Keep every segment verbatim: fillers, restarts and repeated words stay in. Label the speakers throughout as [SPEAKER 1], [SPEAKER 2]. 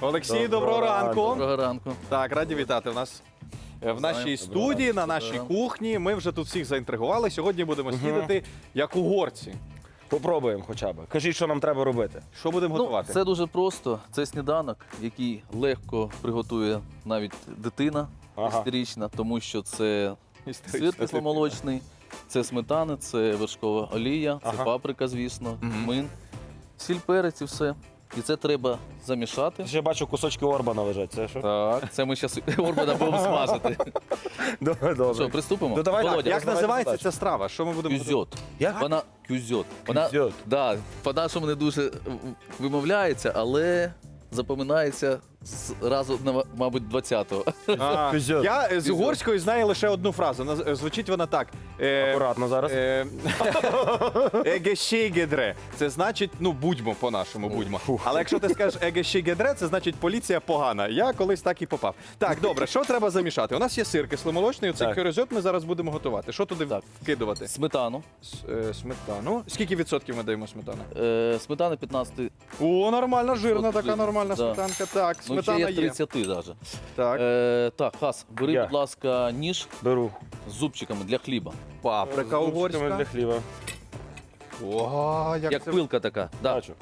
[SPEAKER 1] Олексій, доброго
[SPEAKER 2] Доброго
[SPEAKER 1] ранку.
[SPEAKER 3] Доброго ранку.
[SPEAKER 1] Так, раді вітати в нас е, в нашій студії, на нашій кухні. Ми вже тут всіх заінтригували. Сьогодні будемо снідати як угорці.
[SPEAKER 2] Попробуємо хоча б. Кажіть, що нам треба робити.
[SPEAKER 1] Що будемо
[SPEAKER 3] Ну,
[SPEAKER 1] готувати?
[SPEAKER 3] це дуже просто. Це сніданок, який легко приготує навіть дитина
[SPEAKER 2] Ага.
[SPEAKER 3] десятирічна, тому що це
[SPEAKER 1] Історична
[SPEAKER 3] сир кисломолочний, це сметана, це вершкова олія, це
[SPEAKER 2] Ага.
[SPEAKER 3] паприка, звісно,
[SPEAKER 1] Мгм.
[SPEAKER 3] мин, сіль, перець і все. І це треба замішати.
[SPEAKER 2] Ще бачу, кусочки Орбана лежать. Це що?
[SPEAKER 3] Так, це ми зараз орбана будемо смажити.
[SPEAKER 2] Добре, добре.
[SPEAKER 3] Що, приступимо?
[SPEAKER 2] Ну, давай так,
[SPEAKER 3] Володя,
[SPEAKER 1] Як
[SPEAKER 2] розвивайте
[SPEAKER 1] називається
[SPEAKER 2] задачу.
[SPEAKER 1] ця страва? Що ми будемо готувати?
[SPEAKER 3] кюзьот.
[SPEAKER 2] Як?
[SPEAKER 3] Вона кюзьот. Вона,
[SPEAKER 2] Кюзьот.
[SPEAKER 3] да, по-нашому не дуже вимовляється, але запоминається з разу, на, мабуть, двадцятого.
[SPEAKER 1] А,
[SPEAKER 2] Кюзьот.
[SPEAKER 1] я е, з
[SPEAKER 3] Кюзьот.
[SPEAKER 1] угорської знаю лише одну фразу. Наз- е, Звучить вона так. Е,
[SPEAKER 2] Акуратно зараз.
[SPEAKER 1] е, Егешігедре. Це значить, ну будьмо по-нашому, будьмо. Але якщо ти скажеш егешігедре, це значить поліція погана. Я колись так і попав. Так, добре, що треба замішати? У нас є сир кисломолочний, оцей
[SPEAKER 2] Так.
[SPEAKER 1] кюрезьот ми зараз будемо готувати. Що туди
[SPEAKER 3] Так.
[SPEAKER 1] вкидувати?
[SPEAKER 3] Сметану.
[SPEAKER 1] С- е, Сметану. Скільки відсотків ми даємо сметани?
[SPEAKER 3] Е, сметана п'ятнадцять.
[SPEAKER 1] О, нормальна, жирна
[SPEAKER 3] От
[SPEAKER 1] така
[SPEAKER 3] жирна,
[SPEAKER 1] нормальна
[SPEAKER 3] да.
[SPEAKER 1] сметанка. Так,
[SPEAKER 3] Ну, ще
[SPEAKER 1] сметана
[SPEAKER 3] є
[SPEAKER 1] є.
[SPEAKER 3] тридцять навіть.
[SPEAKER 1] Так,
[SPEAKER 3] Е, так, Хас, бери,
[SPEAKER 2] Я.
[SPEAKER 3] будь ласка, ніж
[SPEAKER 2] Беру.
[SPEAKER 3] з зубчиками для хліба.
[SPEAKER 1] паприка
[SPEAKER 2] З зубчиками
[SPEAKER 1] угорська.
[SPEAKER 2] для хліба.
[SPEAKER 1] Ого, як,
[SPEAKER 3] Як
[SPEAKER 1] це...
[SPEAKER 3] пилка така. Да.
[SPEAKER 2] Бачу.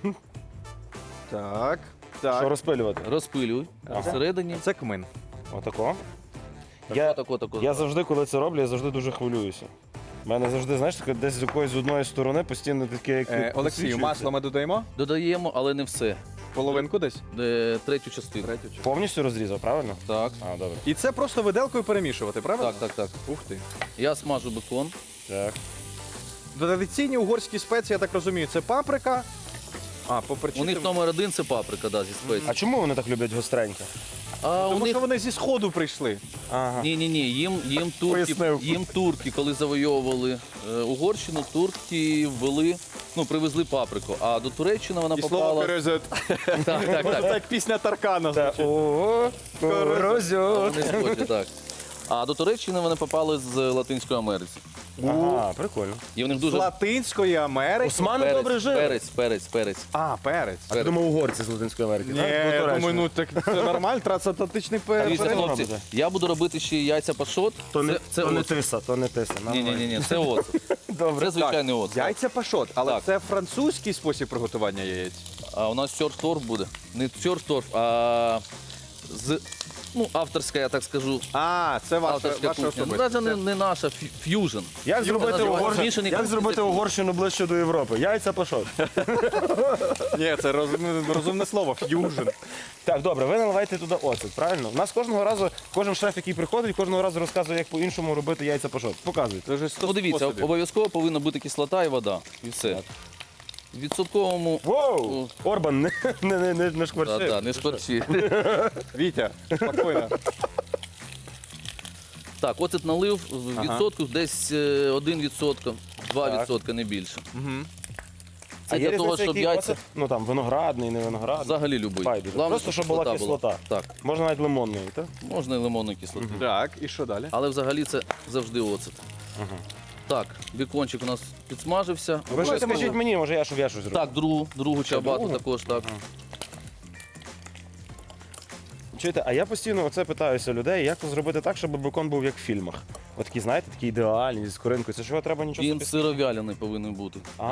[SPEAKER 1] Так,
[SPEAKER 2] Що
[SPEAKER 1] так.
[SPEAKER 2] розпилювати?
[SPEAKER 3] Розпилюй
[SPEAKER 2] Ага.
[SPEAKER 3] всередині.
[SPEAKER 1] Це кмин.
[SPEAKER 2] Отако. Я,
[SPEAKER 3] Отако, тако.
[SPEAKER 2] я завжди, коли це роблю, я завжди дуже хвилююся. У мене завжди, знаєш, таке десь з якоїсь з одної сторони постійно таке, як
[SPEAKER 1] Е, Олексію,
[SPEAKER 2] підсвічується.
[SPEAKER 1] масло ми додаємо?
[SPEAKER 3] Додаємо, але не все.
[SPEAKER 1] Половинку десь?
[SPEAKER 3] Е, третю частину.
[SPEAKER 1] Третю чи-
[SPEAKER 2] Повністю розрізав, правильно?
[SPEAKER 3] Так,
[SPEAKER 2] А, добре.
[SPEAKER 1] І це просто виделкою перемішувати, правильно?
[SPEAKER 3] так, так, так.
[SPEAKER 1] Ух ти.
[SPEAKER 3] Я смажу бекон.
[SPEAKER 2] Так.
[SPEAKER 1] Традиційні угорські спеції, я так розумію, це паприка. А,
[SPEAKER 3] У
[SPEAKER 1] поперчити.
[SPEAKER 3] них номер один це паприка, да, зі спецій.
[SPEAKER 2] А чому вони так люблять гостреньке?
[SPEAKER 3] А у
[SPEAKER 1] Тому
[SPEAKER 3] них
[SPEAKER 1] що вони зі сходу прийшли.
[SPEAKER 2] Ага.
[SPEAKER 3] ні, ні, ні, їм, їм турки,
[SPEAKER 2] Пояснив.
[SPEAKER 3] їм турки, коли завойовували е, Угорщину, турки ввели, ну, привезли паприку. А до Туреччини вона
[SPEAKER 1] І слово
[SPEAKER 3] попала.
[SPEAKER 1] «перезет».
[SPEAKER 3] Так, так,
[SPEAKER 1] Це
[SPEAKER 3] так.
[SPEAKER 1] як пісня Таркана
[SPEAKER 2] Та,
[SPEAKER 1] звучить.
[SPEAKER 2] Ого, розьот.
[SPEAKER 3] Вони схожі, так. А до Туреччини вони попали з Латинської Америки.
[SPEAKER 2] Ага, прикольно.
[SPEAKER 3] І в них
[SPEAKER 1] З
[SPEAKER 3] дуже
[SPEAKER 1] Латинської Америки.
[SPEAKER 2] Османи добре жили.
[SPEAKER 3] перець, перець, перець.
[SPEAKER 1] А, перець.
[SPEAKER 2] А ти думав, угорці з Латинської Америки,
[SPEAKER 1] Ні,
[SPEAKER 2] так? Ну,
[SPEAKER 1] я
[SPEAKER 2] Туреччина.
[SPEAKER 1] думаю, ну так це нормально, трансатлантичний
[SPEAKER 3] Дивіться,
[SPEAKER 1] перець.
[SPEAKER 3] хлопці,
[SPEAKER 2] робите?
[SPEAKER 3] я буду робити ще яйця пашот.
[SPEAKER 2] То не,
[SPEAKER 3] Це, це
[SPEAKER 2] то не
[SPEAKER 3] оцет.
[SPEAKER 2] тиса, то не тиса.
[SPEAKER 3] Ні, ні, ні, ні, це оцет.
[SPEAKER 2] Добре.
[SPEAKER 3] Це звичайний оцет.
[SPEAKER 1] Яйця пашот, але
[SPEAKER 3] Так.
[SPEAKER 1] це французький спосіб приготування яєць.
[SPEAKER 3] А у нас тьорторф буде. Не тьорторф, а з, ну, авторська, я так скажу.
[SPEAKER 1] А, це ваша,
[SPEAKER 3] Авторська
[SPEAKER 1] ваша
[SPEAKER 3] кухня. Ну,
[SPEAKER 1] особиста.
[SPEAKER 3] навіть не, не наша, фю- ф'южн.
[SPEAKER 2] Як зробити,
[SPEAKER 3] називається
[SPEAKER 2] Угорщину,
[SPEAKER 3] змішаний
[SPEAKER 2] як
[SPEAKER 3] кухні,
[SPEAKER 2] зробити
[SPEAKER 3] це кухня.
[SPEAKER 2] Угорщину ближче до Європи? Яйця пашот.
[SPEAKER 1] Ні, це розум- розумне слово, ф'южн.
[SPEAKER 2] Так, добре, ви наливаєте туди оцет, правильно? У нас кожного разу, кожен шеф, який приходить, кожного разу розказує, як по-іншому робити яйця пашот. Показуйте.
[SPEAKER 1] Це вже сто
[SPEAKER 3] Ну, дивіться,
[SPEAKER 1] способів.
[SPEAKER 3] обов'язково повинна бути кислота і вода. І все. В відсотковому.
[SPEAKER 2] Воу! Орбан, не, не, не, не, не шкварчи.
[SPEAKER 3] Да, да, не шкварчи.
[SPEAKER 1] Вітя, спокійно.
[SPEAKER 3] Так, оцет налив в
[SPEAKER 1] Ага.
[SPEAKER 3] відсотку десь е, один відсоток, два
[SPEAKER 2] Так.
[SPEAKER 3] відсотки, не більше.
[SPEAKER 1] Мгм.
[SPEAKER 3] Це
[SPEAKER 2] А є
[SPEAKER 3] для того,
[SPEAKER 2] різниця,
[SPEAKER 3] щоб
[SPEAKER 2] який
[SPEAKER 3] яйця
[SPEAKER 2] оцет? Ну там виноградний, не виноградний.
[SPEAKER 3] взагалі любий.
[SPEAKER 2] Байдуже.
[SPEAKER 3] Главне,
[SPEAKER 2] Просто, щоб була кислота.
[SPEAKER 3] Так,
[SPEAKER 2] Можна навіть лимонний, так?
[SPEAKER 3] можна і лимонну кислоту.
[SPEAKER 1] Так, і що далі?
[SPEAKER 3] Але взагалі це завжди оцет. Так, бікончик у нас підсмажився.
[SPEAKER 2] Ви щось
[SPEAKER 3] Обов'язково-
[SPEAKER 2] скажіть мені, може я, щоб я щось зробив.
[SPEAKER 3] Так, другу, другу чабату
[SPEAKER 2] другу?
[SPEAKER 3] також, так.
[SPEAKER 2] Чуєте, а я постійно оце питаюся людей, як зробити так, щоб бекон був як в фільмах. От такий, знаєте, такий ідеальний, з коринкою. Це ж його треба нічого
[SPEAKER 3] Він
[SPEAKER 2] собі.
[SPEAKER 3] сировялений повинен бути.
[SPEAKER 2] А,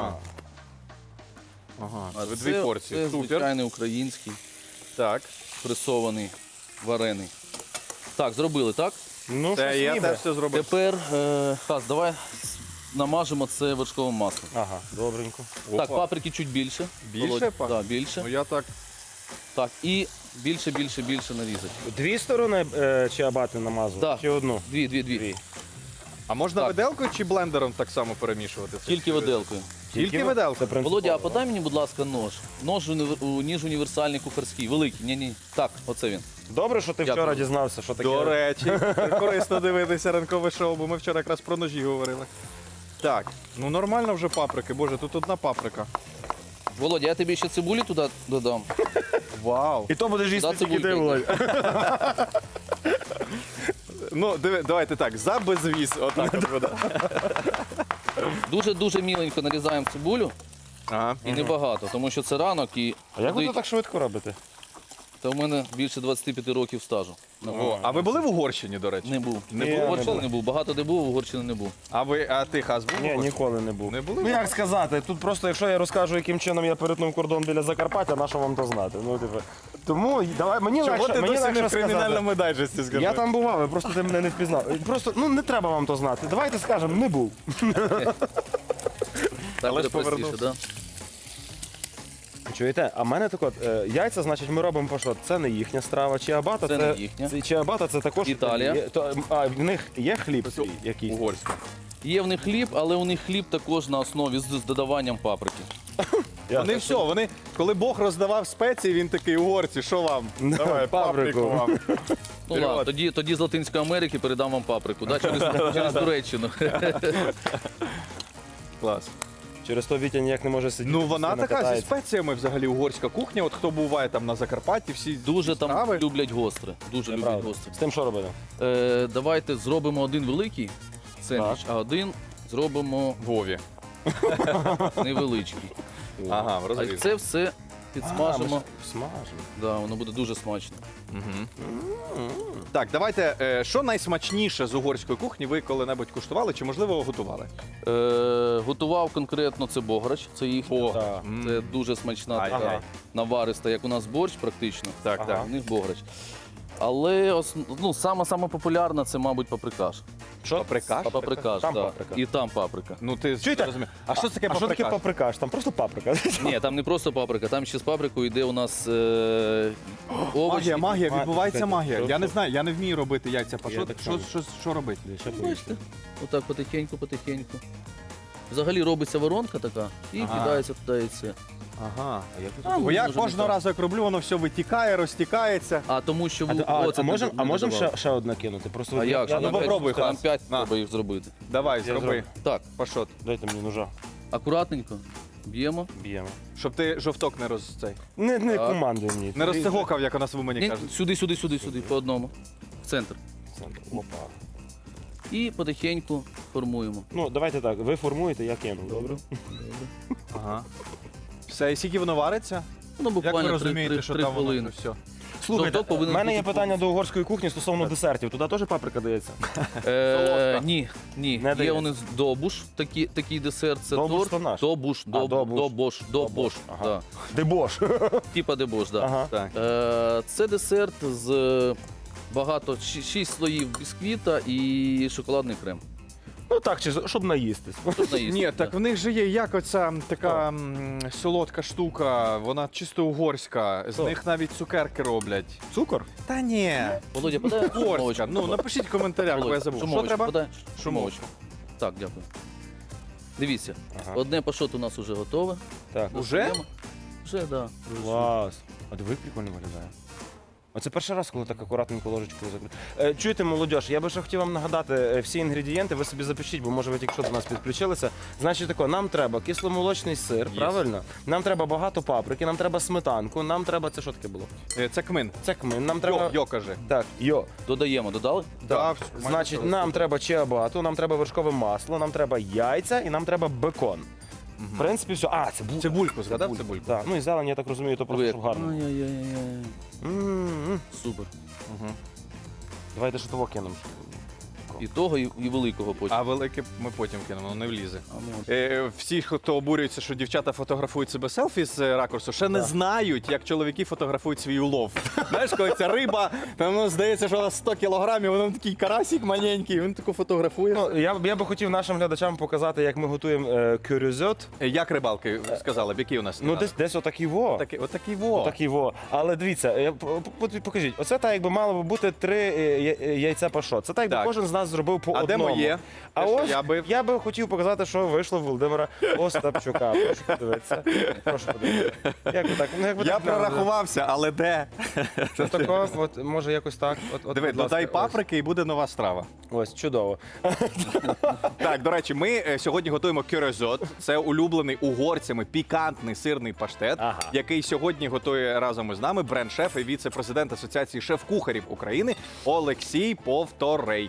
[SPEAKER 1] Ага,
[SPEAKER 3] А
[SPEAKER 1] це
[SPEAKER 3] це,
[SPEAKER 1] дві порції.
[SPEAKER 3] це
[SPEAKER 1] Супер.
[SPEAKER 3] звичайний український,
[SPEAKER 1] Так.
[SPEAKER 3] пресований, варений. Так, зробили, так?
[SPEAKER 2] ну
[SPEAKER 1] Це
[SPEAKER 2] щось
[SPEAKER 1] я
[SPEAKER 2] ніби.
[SPEAKER 1] теж все зробив.
[SPEAKER 3] Тепер, е, Хас, давай намажемо це вершковим маслом.
[SPEAKER 2] Ага, добренько.
[SPEAKER 3] Так,
[SPEAKER 1] Опа.
[SPEAKER 3] паприки чуть більше.
[SPEAKER 1] Більше,
[SPEAKER 3] Володя?
[SPEAKER 1] па?
[SPEAKER 3] Да, більше.
[SPEAKER 1] Ну я так.
[SPEAKER 3] Так, і більше, більше, більше нарізати.
[SPEAKER 2] Дві сторони е, чиабати намазувати?
[SPEAKER 3] Да.
[SPEAKER 2] Чи одну?
[SPEAKER 3] Дві, дві, дві.
[SPEAKER 2] Дві.
[SPEAKER 1] А можна
[SPEAKER 3] Так.
[SPEAKER 1] виделкою чи блендером так само перемішувати? це?
[SPEAKER 3] Тільки виделкою.
[SPEAKER 1] Тільки
[SPEAKER 2] ви-
[SPEAKER 1] виделкою?
[SPEAKER 2] Це принципово.
[SPEAKER 3] Володя, а подай мені, будь ласка, нож. Нож універ- у- ніж універсальний кухарський, великий. Ні-ні. Так, оце він.
[SPEAKER 2] Добре, що ти
[SPEAKER 3] Дякую.
[SPEAKER 2] вчора дізнався, що таке.
[SPEAKER 1] До речі, корисно дивитися ранкове шоу, бо ми вчора якраз про ножі говорили. Так, ну нормально вже паприки, боже, тут одна паприка.
[SPEAKER 3] Володя, я тобі ще цибулі туди додам.
[SPEAKER 1] Вау.
[SPEAKER 2] І то будеш їсти
[SPEAKER 3] Да,
[SPEAKER 2] тільки ти,
[SPEAKER 3] цибулька
[SPEAKER 2] Володя.
[SPEAKER 1] Ну, диви, давайте так, за безвіз, отак от буде.
[SPEAKER 3] Дуже-дуже міленько нарізаємо цибулю
[SPEAKER 1] Ага.
[SPEAKER 3] і небагато, тому що це ранок і
[SPEAKER 2] А як ви
[SPEAKER 3] туди-
[SPEAKER 2] то так швидко робите?
[SPEAKER 3] Та в мене більше двадцяти п'яти років стажу. на кухні.
[SPEAKER 1] О, а ви були в Угорщині, до речі?
[SPEAKER 3] Не був.
[SPEAKER 1] Не
[SPEAKER 2] Ні,
[SPEAKER 3] в
[SPEAKER 2] не
[SPEAKER 3] Угорщині
[SPEAKER 2] був.
[SPEAKER 3] не був. Багато де був, в Угорщині не був.
[SPEAKER 1] А ви, а ти, Хас, був? в
[SPEAKER 2] Ні,
[SPEAKER 1] Угорщині?
[SPEAKER 2] ніколи не був.
[SPEAKER 1] Не були?
[SPEAKER 2] Ну як сказати, тут просто, якщо я розкажу, яким чином я перетнув кордон біля Закарпаття, на що вам то знати? Ну, типу, тому давай, мені
[SPEAKER 1] Чого
[SPEAKER 2] легше,
[SPEAKER 1] ти
[SPEAKER 2] мені
[SPEAKER 1] досі не
[SPEAKER 2] легше
[SPEAKER 1] в
[SPEAKER 2] сказати.
[SPEAKER 1] кримінальному дайджесті, скажи?
[SPEAKER 2] Я там бував, ви просто ти мене не впізнав. Просто, ну не треба вам то знати. Давайте скажемо, не був.
[SPEAKER 3] Так
[SPEAKER 1] Але
[SPEAKER 3] буде
[SPEAKER 1] ж
[SPEAKER 3] простіше,
[SPEAKER 1] повернувся.
[SPEAKER 3] да?
[SPEAKER 2] Чуєте? А в мене так от, е, яйця, значить, ми робимо пашот. Це не їхня страва. Чиабата
[SPEAKER 3] Це не їхня.
[SPEAKER 2] Це, чиабата це також
[SPEAKER 3] Італія.
[SPEAKER 2] Є, то, а в них є хліб свій якийсь?
[SPEAKER 1] Угорська.
[SPEAKER 3] Є в них хліб, але у них хліб також на основі з, з додаванням паприки.
[SPEAKER 2] Я-
[SPEAKER 1] Вони все, вони, коли Бог роздавав спеції, він такий, угорці, що вам? Давай,
[SPEAKER 2] паприку.
[SPEAKER 1] паприку вам.
[SPEAKER 3] Ну
[SPEAKER 1] Вперед.
[SPEAKER 3] ладно, тоді, тоді з Латинської Америки передам вам паприку, да? через, через Туреччину.
[SPEAKER 1] Клас.
[SPEAKER 2] Через то Вітя ніяк не може сидіти.
[SPEAKER 1] Ну вона
[SPEAKER 2] постійно
[SPEAKER 1] така зі
[SPEAKER 2] катається.
[SPEAKER 1] спеціями взагалі угорська кухня. От хто буває там на Закарпатті, всі
[SPEAKER 3] Дуже там
[SPEAKER 1] страви.
[SPEAKER 3] люблять гостре. Дуже
[SPEAKER 2] Це
[SPEAKER 3] люблять
[SPEAKER 2] правда.
[SPEAKER 3] гостре.
[SPEAKER 2] З тим що робити?
[SPEAKER 3] Е, давайте зробимо один великий сендвіч, а один зробимо
[SPEAKER 1] Вові.
[SPEAKER 3] невеличкий.
[SPEAKER 1] Ага,
[SPEAKER 3] А
[SPEAKER 1] розріз.
[SPEAKER 3] це все
[SPEAKER 2] А,
[SPEAKER 3] підсмажимо.
[SPEAKER 2] ми ж смажимо.
[SPEAKER 3] Да, воно буде дуже смачно.
[SPEAKER 1] Так, давайте, е, що найсмачніше з угорської кухні ви коли-небудь куштували чи, можливо, готували?
[SPEAKER 3] Е, готував конкретно це бограч, це їхній.
[SPEAKER 1] О,
[SPEAKER 2] Так.
[SPEAKER 1] м.
[SPEAKER 3] Це дуже смачна
[SPEAKER 1] Ай,
[SPEAKER 3] така
[SPEAKER 1] ай.
[SPEAKER 3] навариста, як у нас борщ практично.
[SPEAKER 1] Так,
[SPEAKER 2] Ага.
[SPEAKER 1] так.
[SPEAKER 3] У них бограч. Але ос- ну, сама сама популярна це, мабуть, паприкаш.
[SPEAKER 2] Що?
[SPEAKER 1] Паприкаш?
[SPEAKER 3] Паприкаш,
[SPEAKER 2] Там
[SPEAKER 3] да.
[SPEAKER 2] паприка.
[SPEAKER 3] І там паприка.
[SPEAKER 1] Ну ти
[SPEAKER 2] Чуєте?
[SPEAKER 1] розумієш. А що це таке
[SPEAKER 2] А що таке
[SPEAKER 1] паприкаш?
[SPEAKER 2] паприкаш? Там просто паприка.
[SPEAKER 3] Ні, там не просто паприка, там ще з паприкою йде у нас е, овочі.
[SPEAKER 1] Магія, магія,
[SPEAKER 2] Ма-
[SPEAKER 1] відбувається
[SPEAKER 2] чекайте,
[SPEAKER 1] магія.
[SPEAKER 2] що-
[SPEAKER 1] Я не
[SPEAKER 2] що?
[SPEAKER 1] знаю, я не вмію робити яйця пашот.
[SPEAKER 2] так
[SPEAKER 1] Що,
[SPEAKER 2] само.
[SPEAKER 1] що, що робити?
[SPEAKER 3] Бачите? Отак потихеньку, потихеньку. Взагалі робиться воронка така і
[SPEAKER 1] Ага.
[SPEAKER 3] кидається туди яйце.
[SPEAKER 1] Ага.
[SPEAKER 3] А,
[SPEAKER 1] Бо я
[SPEAKER 3] може, не
[SPEAKER 1] кожного
[SPEAKER 3] так.
[SPEAKER 1] разу, як роблю, воно все витікає, розтікається.
[SPEAKER 3] А тому що
[SPEAKER 2] А,
[SPEAKER 3] ви
[SPEAKER 2] а,
[SPEAKER 3] оцет
[SPEAKER 2] а
[SPEAKER 3] не
[SPEAKER 2] можемо
[SPEAKER 3] д-
[SPEAKER 2] а
[SPEAKER 3] не
[SPEAKER 2] можем
[SPEAKER 3] додавали.
[SPEAKER 2] ще, ще одне кинути? Просто
[SPEAKER 3] А
[SPEAKER 2] от
[SPEAKER 3] як?
[SPEAKER 2] я,
[SPEAKER 3] же?
[SPEAKER 1] ну,
[SPEAKER 3] Нам
[SPEAKER 1] попробуй,
[SPEAKER 3] п'ять- Нам
[SPEAKER 1] Хас.
[SPEAKER 3] п'ять
[SPEAKER 1] На.
[SPEAKER 3] треба їх зробити.
[SPEAKER 1] Давай,
[SPEAKER 2] Я
[SPEAKER 1] зроби.
[SPEAKER 2] зроблю.
[SPEAKER 3] Так,
[SPEAKER 1] Пашот.
[SPEAKER 2] Дайте мені ножа.
[SPEAKER 3] акуратненько б'ємо.
[SPEAKER 2] Б'ємо.
[SPEAKER 1] Щоб ти жовток не роз цей.
[SPEAKER 2] Не, не
[SPEAKER 3] Так.
[SPEAKER 2] командуй мені.
[SPEAKER 1] Не розцегокав, як у нас в Умані
[SPEAKER 3] Ні,
[SPEAKER 1] кажуть.
[SPEAKER 3] сюди, сюди, сюди, сюди, по одному. В центр.
[SPEAKER 2] Опа.
[SPEAKER 3] І потихеньку формуємо.
[SPEAKER 2] Ну, давайте так, ви формуєте, я кину. Добре?
[SPEAKER 1] Ага. Все, і скільки воно вариться?
[SPEAKER 3] Ну,
[SPEAKER 1] Як ви
[SPEAKER 3] буквально три,
[SPEAKER 1] розумієте,
[SPEAKER 3] три,
[SPEAKER 1] що
[SPEAKER 3] три
[SPEAKER 1] там воно
[SPEAKER 3] хвилини.
[SPEAKER 1] вже все?
[SPEAKER 2] Слухайте,
[SPEAKER 3] Жовток повинен
[SPEAKER 2] в мене є
[SPEAKER 3] бути
[SPEAKER 2] питання
[SPEAKER 3] повністю.
[SPEAKER 2] до угорської кухні стосовно десертів. Туди теж паприка дається?
[SPEAKER 3] Е,
[SPEAKER 1] Солодка.
[SPEAKER 3] ні, ні.
[SPEAKER 2] Не
[SPEAKER 3] Є
[SPEAKER 2] дається.
[SPEAKER 3] у нас добуш, такий, такий десерт, це
[SPEAKER 2] Добуш
[SPEAKER 3] торт.
[SPEAKER 2] то наш?
[SPEAKER 3] Добуш,
[SPEAKER 2] А,
[SPEAKER 3] доб,
[SPEAKER 2] добуш.
[SPEAKER 3] добош, добош,
[SPEAKER 2] Ага.
[SPEAKER 3] да.
[SPEAKER 2] Дебош.
[SPEAKER 3] Типа дебош, да.
[SPEAKER 2] Ага.
[SPEAKER 1] Так.
[SPEAKER 3] Е, це десерт з е, багато, ші- шість слоїв бісквіта і шоколадний крем.
[SPEAKER 2] Ну так, чи щоб наїстись.
[SPEAKER 3] Тут наїсти,
[SPEAKER 1] Ні,
[SPEAKER 3] да.
[SPEAKER 1] так в них же є як оця така м, солодка штука, вона чисто угорська. З
[SPEAKER 2] Що?
[SPEAKER 1] них навіть цукерки роблять.
[SPEAKER 2] Цукор?
[SPEAKER 1] Та ні.
[SPEAKER 3] Володя, подай
[SPEAKER 1] Угорська.
[SPEAKER 3] шумовочку.
[SPEAKER 1] Ну, напишіть в коментарях, бо я
[SPEAKER 3] Володя,
[SPEAKER 1] забув. Що
[SPEAKER 3] шумовочку
[SPEAKER 1] треба?
[SPEAKER 3] подай.
[SPEAKER 1] Шумовочку.
[SPEAKER 3] Шумовочку. Так, дякую. Дивіться,
[SPEAKER 2] Ага.
[SPEAKER 3] одне пашот у нас вже готове.
[SPEAKER 2] Так.
[SPEAKER 1] Уже?
[SPEAKER 3] Достаємо. Вже, так. Да.
[SPEAKER 2] Клас. А диви, прикольно виглядає. Оце перший раз, коли так акуратненько ложечкою закрити. Е, чуєте, молодь, я би ще хотів вам нагадати е, всі інгредієнти, ви собі запишіть, бо може ви тільки що до нас підключилися. Значить тако, нам треба кисломолочний сир,
[SPEAKER 1] Є.
[SPEAKER 2] правильно? Нам треба багато паприки, нам треба сметанку, нам треба, це що таке було?
[SPEAKER 1] Е, Це кмин.
[SPEAKER 2] Це кмин, нам треба...
[SPEAKER 1] Йо, йо, кажи.
[SPEAKER 2] Так, йо.
[SPEAKER 3] Додаємо, додали?
[SPEAKER 1] Да,
[SPEAKER 2] Так.
[SPEAKER 1] майже
[SPEAKER 2] Значить,
[SPEAKER 1] все.
[SPEAKER 2] нам треба чиабату, нам треба вершкове масло, нам треба яйця і нам треба бекон. В принципі, все. А, це булка.
[SPEAKER 1] Цибульку, згадав цибульку?
[SPEAKER 2] Так, ну і зелень, я так розумію, то просто
[SPEAKER 3] Диви,
[SPEAKER 2] щоб гарно.
[SPEAKER 3] Ай-яй-яй-яй.
[SPEAKER 2] М-м-м.
[SPEAKER 3] Супер.
[SPEAKER 1] Угу.
[SPEAKER 2] Давайте що того кинемо.
[SPEAKER 3] І того, і, і великого потім.
[SPEAKER 1] А велике ми потім кинемо, воно не влізе.
[SPEAKER 3] А, ну, от.
[SPEAKER 1] Е, всі, хто обурюється, що дівчата фотографують себе селфі з е, ракурсу, ще не знають, як чоловіки фотографують свій улов. Знаєш, коли ця риба, там ну, здається, що вона сто кілограмів, воно такий карасик маленький, він таку фотографує.
[SPEAKER 2] Ну, я, б- я би хотів нашим глядачам показати, як ми готуємо е, кюрюзьот.
[SPEAKER 1] Е, Як рибалки сказали, б, які у нас?
[SPEAKER 2] Ну, десь, десь отакий во.
[SPEAKER 1] Отакий, отакий во.
[SPEAKER 2] Отакий во. Але дивіться, е, п- п- покажіть, оце так, якби мало би бути три е, я- е, яйця пашот. Це так, якби
[SPEAKER 1] Так.
[SPEAKER 2] кожен з нас зробив по
[SPEAKER 1] А де
[SPEAKER 2] одному.
[SPEAKER 1] моє?
[SPEAKER 2] А
[SPEAKER 1] Те, що
[SPEAKER 2] ось
[SPEAKER 1] я бив?
[SPEAKER 2] я би хотів показати, що вийшло в Володимира Остапчука. Прошу подивитися. Прошу подивитися. Як ви так? Ну, як ви
[SPEAKER 1] Я
[SPEAKER 2] так
[SPEAKER 1] прорахувався, але де?
[SPEAKER 2] Це тако, от, може якось так. От, от,
[SPEAKER 1] Диви,
[SPEAKER 2] будь ласка,
[SPEAKER 1] додай
[SPEAKER 2] ось.
[SPEAKER 1] паприки і буде нова страва.
[SPEAKER 2] Ось, чудово.
[SPEAKER 1] Так, до речі, ми е, сьогодні готуємо кюрезот. Це улюблений угорцями пікантний сирний паштет,
[SPEAKER 2] Ага.
[SPEAKER 1] який сьогодні готує разом із нами бренд-шеф і віце-президент Асоціації шеф-кухарів України Олексій Повторейко.
[SPEAKER 2] Так,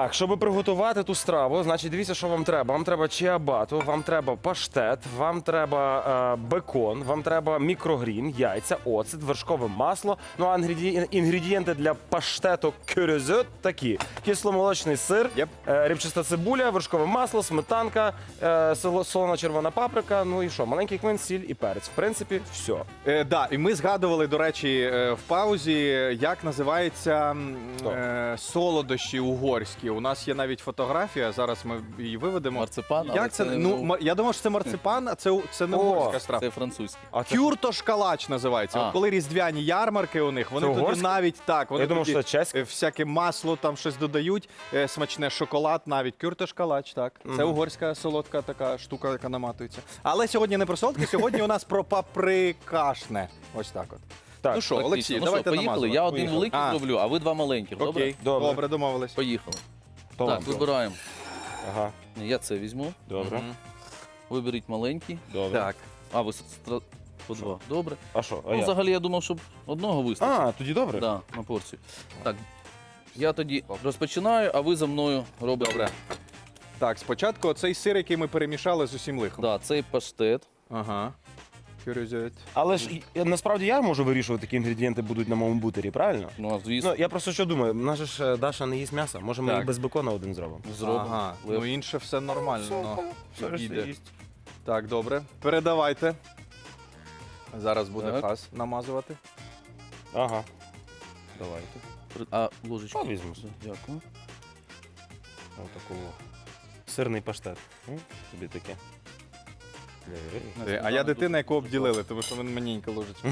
[SPEAKER 2] Так, щоб приготувати ту страву, значить, дивіться, що вам треба. Вам треба чиабату, вам треба паштет, вам треба е, бекон, вам треба мікрогрін, яйця, оцет, вершкове масло. Ну а інгреді... інгредієнти для паштету кюрюзет такі: кисломолочний сир,
[SPEAKER 1] Yep.
[SPEAKER 2] е, рибчаста цибуля, вершкове масло, сметанка, е, соло- солона червона паприка. Ну і що, маленький кмин, сіль і перець. В принципі, все.
[SPEAKER 1] Е, да, і ми згадували, до речі, е, в паузі, як називається м,
[SPEAKER 2] Що?
[SPEAKER 1] е, солодощі угорські. У нас є навіть фотографія, зараз ми її виведемо.
[SPEAKER 3] Марципан, але
[SPEAKER 1] Як це?
[SPEAKER 3] це не
[SPEAKER 1] Ну,
[SPEAKER 3] у-
[SPEAKER 1] ма- я думав, що це марципан, а це, у- це не
[SPEAKER 2] О,
[SPEAKER 1] угорська страва.
[SPEAKER 3] Це французький.
[SPEAKER 2] А це...
[SPEAKER 1] Кюртош-калач називається.
[SPEAKER 3] А.
[SPEAKER 1] От коли різдвяні ярмарки у них, вони
[SPEAKER 2] Це
[SPEAKER 1] тоді
[SPEAKER 2] угорське?
[SPEAKER 1] навіть так, вони
[SPEAKER 2] Я думав,
[SPEAKER 1] тоді,
[SPEAKER 2] що це чеське.
[SPEAKER 1] е, всяке масло, там щось додають, е, смачне шоколад навіть. Кюртош-калач, так. Це угорська солодка така штука, яка наматується. Але сьогодні не про солодке, сьогодні у нас про паприкашне. Ось так от.
[SPEAKER 2] Так,
[SPEAKER 1] ну що,
[SPEAKER 3] Практично.
[SPEAKER 1] Олексій,
[SPEAKER 3] ну
[SPEAKER 1] давайте
[SPEAKER 3] що, поїхали.
[SPEAKER 1] намазувати.
[SPEAKER 3] Я один
[SPEAKER 2] Поїхали.
[SPEAKER 3] великий
[SPEAKER 1] А.
[SPEAKER 3] зроблю, а ви два маленьких. Добре?
[SPEAKER 1] Окей,
[SPEAKER 2] Добре.
[SPEAKER 1] добре, домовились.
[SPEAKER 3] Поїхали.
[SPEAKER 2] То
[SPEAKER 3] так,
[SPEAKER 2] вам.
[SPEAKER 3] вибираємо.
[SPEAKER 2] Ага,
[SPEAKER 3] Я це візьму.
[SPEAKER 2] добре,
[SPEAKER 1] Мгм.
[SPEAKER 3] Виберіть маленький.
[SPEAKER 2] добре.
[SPEAKER 1] Так.
[SPEAKER 3] А, ви стра- по два. Добре.
[SPEAKER 2] А що? А
[SPEAKER 3] Ну,
[SPEAKER 2] я?
[SPEAKER 3] взагалі, я думав, щоб одного вистачить.
[SPEAKER 2] А, тоді добре?
[SPEAKER 3] Да, на порцію. Так, я тоді розпочинаю, а ви за мною робите.
[SPEAKER 1] Добре. Так, спочатку оцей сир, який ми перемішали з усім лихом.
[SPEAKER 3] Да, цей паштет.
[SPEAKER 1] Ага. Кюрюзет.
[SPEAKER 2] Але ж і- насправді я можу вирішувати, які інгредієнти будуть на моєму бутері, правильно?
[SPEAKER 3] Ну, а звісно,
[SPEAKER 2] Ну, я просто що думаю, в нас же ж е, Даша не їсть м'яса, може ми
[SPEAKER 1] Так.
[SPEAKER 2] і без бекона один зробимо.
[SPEAKER 3] зробимо.
[SPEAKER 1] Ага.
[SPEAKER 3] Лев.
[SPEAKER 1] Ну інше все нормально.
[SPEAKER 2] Все,
[SPEAKER 1] ну,
[SPEAKER 2] решта
[SPEAKER 1] іде.
[SPEAKER 2] їсть.
[SPEAKER 1] Так, добре. Передавайте. Зараз буде
[SPEAKER 3] Так.
[SPEAKER 1] хас намазувати.
[SPEAKER 2] Ага. Давайте.
[SPEAKER 3] При- А ложечку?
[SPEAKER 2] Та візьму.
[SPEAKER 3] Дякую.
[SPEAKER 2] Отакого. Сирний паштет. М? Тобі таке.
[SPEAKER 1] Е, А я дитина, яку обділили, тому що він маленька ложечка.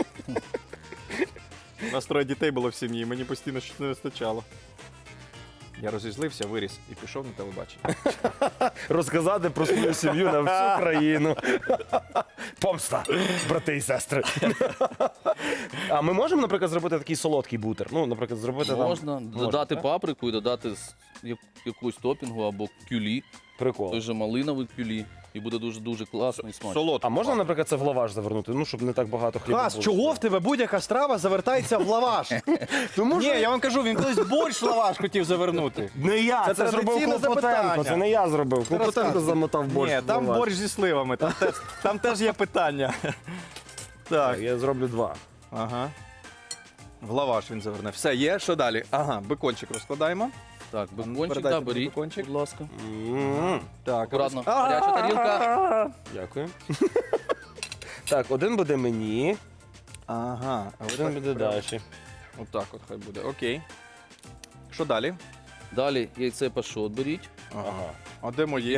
[SPEAKER 1] У нас троє дітей було в сім'ї, мені постійно щось не вистачало. Я розізлився, виріс і пішов на телебачення.
[SPEAKER 2] Розказати про свою сім'ю на всю країну. Помста, брати і сестри. А ми можемо, наприклад, зробити такий солодкий бутер? Ну, наприклад, зробити
[SPEAKER 3] Можна
[SPEAKER 2] там...
[SPEAKER 3] додати
[SPEAKER 2] так?
[SPEAKER 3] паприку і додати з- як- якусь топінгу або кюлі,
[SPEAKER 2] Прикол.
[SPEAKER 3] той же малиновий кюлі. І буде дуже-дуже класно і смачно.
[SPEAKER 1] Солодко.
[SPEAKER 2] А можна, наприклад, це в лаваш завернути? Ну, щоб не так багато хліба
[SPEAKER 1] Хас,
[SPEAKER 2] було.
[SPEAKER 1] чого в тебе будь-яка страва завертається в лаваш?
[SPEAKER 2] Тому
[SPEAKER 1] Ні, я вам кажу, він колись борщ в лаваш хотів завернути.
[SPEAKER 2] Не я,
[SPEAKER 1] Це
[SPEAKER 2] це, зробив
[SPEAKER 1] традиційне
[SPEAKER 2] Клопотенко,
[SPEAKER 1] запитання.
[SPEAKER 2] це не я зробив. Клопотенко
[SPEAKER 1] розказуй.
[SPEAKER 2] замотав борщ.
[SPEAKER 1] Ні,
[SPEAKER 2] в
[SPEAKER 1] там
[SPEAKER 2] лаваш.
[SPEAKER 1] борщ зі сливами, там теж, там теж є питання.
[SPEAKER 2] Так,
[SPEAKER 1] Так,
[SPEAKER 2] я зроблю два.
[SPEAKER 1] ага. В лаваш він заверне. Все, є, що далі? Ага, бекончик розкладаємо.
[SPEAKER 3] Так, бекончик,
[SPEAKER 1] передайте
[SPEAKER 3] да,
[SPEAKER 1] мені
[SPEAKER 3] беріть,
[SPEAKER 1] бекончик.
[SPEAKER 3] будь ласка.
[SPEAKER 2] М,
[SPEAKER 1] Так,
[SPEAKER 3] Акуратно.
[SPEAKER 1] а,
[SPEAKER 3] Гаряча тарілка.
[SPEAKER 2] Дякую. Так, один буде мені,
[SPEAKER 1] Ага, а
[SPEAKER 2] один
[SPEAKER 1] отак
[SPEAKER 2] буде
[SPEAKER 1] прямо.
[SPEAKER 2] Даші.
[SPEAKER 1] Отак от хай буде. Окей. Що далі?
[SPEAKER 3] Далі яйце пашот беріть.
[SPEAKER 2] Ага.
[SPEAKER 1] А де моє?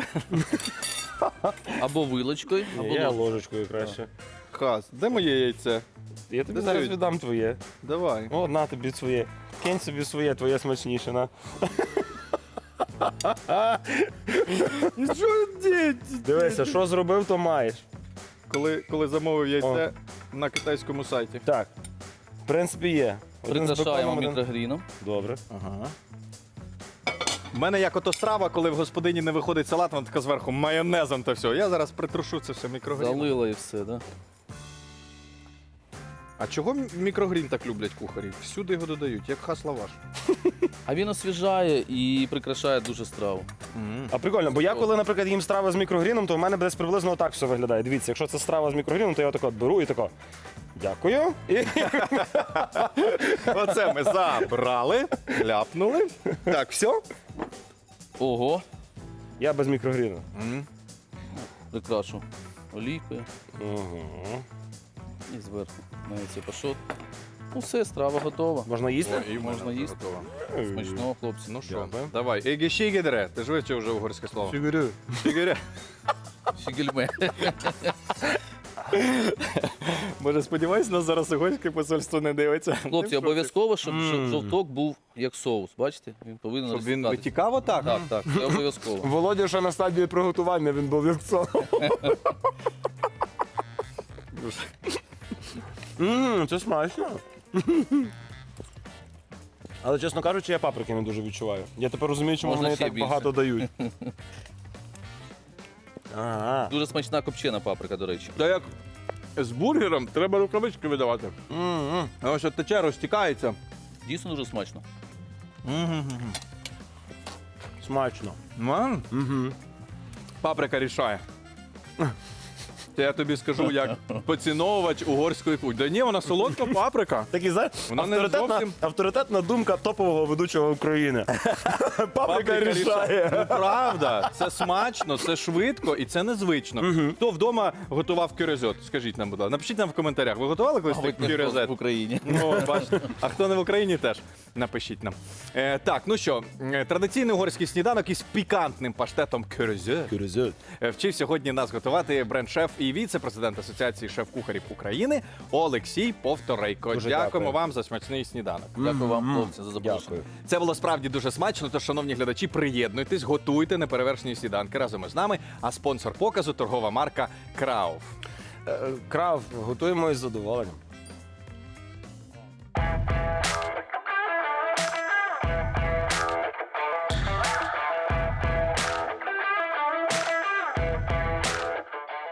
[SPEAKER 3] Або вилочкою, або
[SPEAKER 2] Я
[SPEAKER 3] ложкою.
[SPEAKER 2] ложечкою краще.
[SPEAKER 1] Хас, де моє яйце?
[SPEAKER 2] Я тобі
[SPEAKER 1] Де
[SPEAKER 2] зараз
[SPEAKER 1] дають?
[SPEAKER 2] віддам твоє.
[SPEAKER 1] Давай.
[SPEAKER 2] О, на тобі своє. Кинь собі своє, твоє смачніше, на.
[SPEAKER 1] Що діть?
[SPEAKER 2] Дивися, що зробив, то маєш.
[SPEAKER 1] Коли, коли замовив яйце на китайському сайті.
[SPEAKER 2] Так, в принципі, є. Один з
[SPEAKER 3] Прикрашаємо
[SPEAKER 2] беконом, один-
[SPEAKER 3] мікрогріном.
[SPEAKER 2] Добре.
[SPEAKER 1] Ага. У мене як ото страва, коли в господині не виходить салат, вона така зверху майонезом та все. Я зараз притрушу це все мікрогріном.
[SPEAKER 3] Залила і все, да?
[SPEAKER 1] А чого мікрогрін так люблять кухарі? Всюди його додають, як хас лаваш.
[SPEAKER 3] А він освіжає і прикрашає дуже страву.
[SPEAKER 2] А прикольно, бо я коли, наприклад, їм страви з мікрогріном, то в мене десь приблизно отак все виглядає. Дивіться, якщо це страва з мікрогріном, то я отако от беру і тако. Дякую. І
[SPEAKER 1] Оце ми забрали, ляпнули. Так, все?
[SPEAKER 3] Ого,
[SPEAKER 2] я без мікрогріну.
[SPEAKER 3] прикрашу олійкою
[SPEAKER 2] Угу.
[SPEAKER 3] і зверху на яйце пашот. Ну все, страва готова.
[SPEAKER 2] Можна їсти?
[SPEAKER 1] і
[SPEAKER 3] Можна їсти. Смачного, хлопці.
[SPEAKER 1] Ну що,
[SPEAKER 2] Дякую.
[SPEAKER 1] давай. Егішігідре. Ти ж вивчив вже угорське слово.
[SPEAKER 2] Фігурю.
[SPEAKER 1] Шігіре.
[SPEAKER 3] Щігельме.
[SPEAKER 1] Може, сподіваюсь, нас зараз угорське посольство не дивиться.
[SPEAKER 3] Хлопці, обов'язково, щоб
[SPEAKER 2] Мм.
[SPEAKER 3] жов- жовток був як соус. Бачите? Він повинен
[SPEAKER 1] Щоб він
[SPEAKER 3] розсипатися.
[SPEAKER 1] витікав отак?
[SPEAKER 3] Так, так, це обов'язково.
[SPEAKER 2] Володя ще на стадії приготування, він був як це. Ммм, це смачно. Але, чесно кажучи, я паприки не дуже відчуваю. Я тепер розумію, чому
[SPEAKER 3] Можна
[SPEAKER 2] вони
[SPEAKER 3] ще
[SPEAKER 2] так
[SPEAKER 3] більше.
[SPEAKER 2] багато дають. Ага.
[SPEAKER 3] Дуже смачна копчена паприка, до речі.
[SPEAKER 1] Та як з бургером треба рукавички видавати.
[SPEAKER 2] М-м.
[SPEAKER 1] А ось от тече, розтікається.
[SPEAKER 3] Дійсно дуже смачно.
[SPEAKER 2] Смачно.
[SPEAKER 1] М?
[SPEAKER 2] Угу.
[SPEAKER 1] Паприка рішає. Це я тобі скажу, як поціновувач угорської кухні. Да ні, вона солодка паприка.
[SPEAKER 2] Такий, знаєш,
[SPEAKER 1] Вона не
[SPEAKER 2] авторитетна,
[SPEAKER 1] зовсім-
[SPEAKER 2] авторитетна думка топового ведучого України. Паприка рішає.
[SPEAKER 1] Ну, правда, це смачно, це швидко і це незвично. Хто вдома готував кюрезет? Скажіть нам, будь ласка. Напишіть нам в коментарях. Ви готували колись
[SPEAKER 3] Мабуть, ніхто
[SPEAKER 1] кюрезет?
[SPEAKER 3] в Україні.
[SPEAKER 1] Ну, бачите. А хто не в Україні, теж напишіть нам. Е, так, ну що, е, традиційний угорський сніданок із пікантним паштетом кюрезет. Е, Вчив сьогодні нас готувати бренд-шеф і віце-президент Асоціації шеф-кухарів України Олексій Повторейко.
[SPEAKER 2] Дуже
[SPEAKER 1] Дякуємо
[SPEAKER 2] дякую.
[SPEAKER 1] вам за смачний сніданок.
[SPEAKER 3] Дякую вам, хлопці, за запрошення.
[SPEAKER 2] Дякую.
[SPEAKER 1] Це було справді дуже смачно. Тож, шановні глядачі, приєднуйтесь, готуйте неперевершені сніданки разом із нами. А спонсор показу торгова марка Крауф.
[SPEAKER 2] Е, Крав, готуємо із задоволенням.